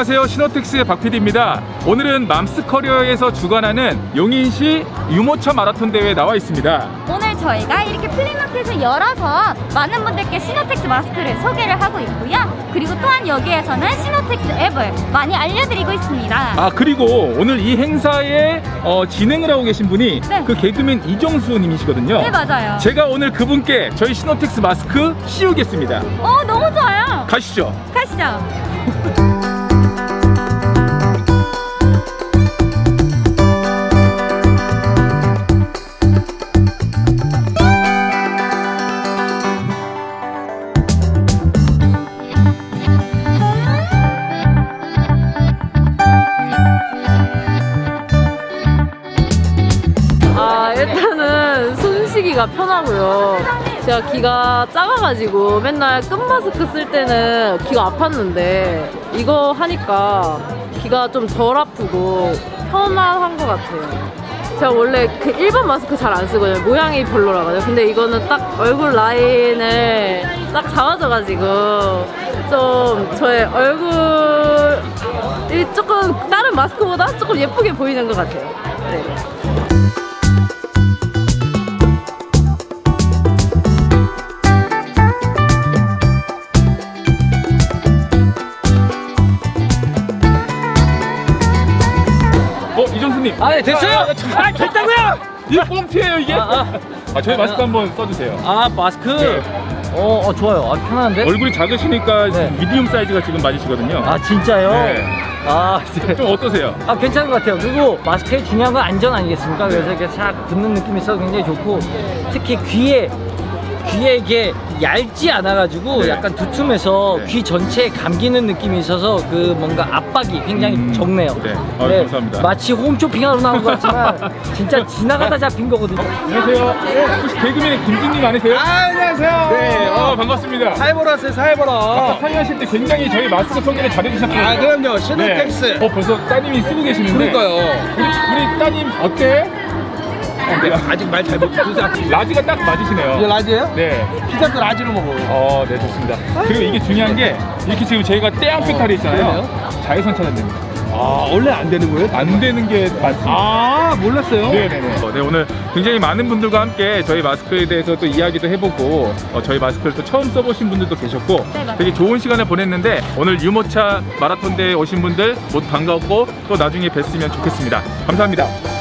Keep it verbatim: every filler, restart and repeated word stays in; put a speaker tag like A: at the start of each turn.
A: 안녕하세요, 신호텍스의 박피디입니다. 오늘은 맘스커리어에서 주관하는 용인시 유모차 마라톤 대회에 나와 있습니다.
B: 오늘 저희가 이렇게 플리마켓을 열어서 많은 분들께 신호텍스 마스크를 소개를 하고 있고요. 그리고 또한 여기에서는 신호텍스 앱을 많이 알려드리고 있습니다.
A: 아, 그리고 오늘 이 행사에 어, 진행을 하고 계신 분이
B: 네.
A: 그 개그맨 이정수 님이시거든요.
B: 네, 맞아요.
A: 제가 오늘 그분께 저희 신호텍스 마스크 씌우겠습니다.
B: 어, 너무 좋아요.
A: 가시죠.
B: 가시죠.
C: 아, 일단은 숨쉬기가 편하고요. 제가 귀가 작아가지고 맨날 끈마스크 쓸 때는 귀가 아팠는데 이거 하니까 귀가 좀 덜 아프고 편안한 것 같아요. 제가 원래 그 일반 마스크 잘 안 쓰거든요. 모양이 별로라가지고. 근데 이거는 딱 얼굴 라인을 딱 잡아줘가지고 좀 저의 얼굴이 조금 다른 마스크보다 조금 예쁘게 보이는 것 같아요. 네.
A: 어, 이정수님.
D: 아, 네, 됐어요?
A: 아, 아, 됐다고요? 이거 뻥튀예요 이게?
D: 아, 아.
A: 아, 저희 마스크 한번 써주세요.
D: 아, 마스크?
A: 네.
D: 어, 어, 좋아요. 아, 편한데?
A: 얼굴이 작으시니까
D: 네.
A: 미디움 사이즈가 지금 맞으시거든요.
D: 아, 진짜요?
A: 네.
D: 아, 네.
A: 좀 어떠세요?
D: 아, 괜찮은 것 같아요. 그리고 마스크의 중요한 건 안전 아니겠습니까? 그래서 이렇게 싹 붙는 느낌이 있어서 굉장히 좋고, 특히 귀에, 귀에 이게 얇지 않아가지고
A: 네.
D: 약간 두툼해서
A: 네.
D: 귀 전체에 감기는 느낌이 있어서 그 뭔가 압박이 굉장히
A: 음,
D: 적네요.
A: 네. 아유, 감사합니다.
D: 마치 홈쇼핑하러 나온 것 같지만 진짜 지나가다 잡힌 거거든요.
A: 안녕하세요. 혹시 개그맨 김진님 아니세요?
E: 아, 안녕하세요.
A: 네, 어, 반갑습니다.
E: 사회 보러 왔어요, 사회 보러.
A: 아까 사회하실 때 굉장히 저희 마스크 소개를 잘해주셨거든요.
E: 아, 그럼요. 신호텍스.
A: 네. 어, 벌써 따님이 쓰고 계시는데.
E: 그러니까요.
A: 우리, 우리 따님 어때?
E: 내가 아직 말 잘 못해서
A: 라지가 딱 맞으시네요.
E: 이게 라지예요?
A: 네.
E: 피자도 라지로 먹어요.
A: 어, 네, 좋습니다. 그리고 이게 중요한 게 이렇게 지금 저희가 떼양표 탈이 있잖아요. 자외선 차단됩니다.
E: 아, 원래 안 되는 거예요?
A: 안 되는 게 맞습니다.
E: 아, 몰랐어요.
A: 네네네. 어, 네, 오늘 굉장히 많은 분들과 함께 저희 마스크에 대해서 또 이야기도 해보고 어, 저희 마스크를 또 처음 써보신 분들도 계셨고
B: 네, 맞아요.
A: 되게 좋은 시간을 보냈는데 오늘 유모차 마라톤 대회에 오신 분들 모두 반가웠고 또 나중에 뵀으면 좋겠습니다. 감사합니다.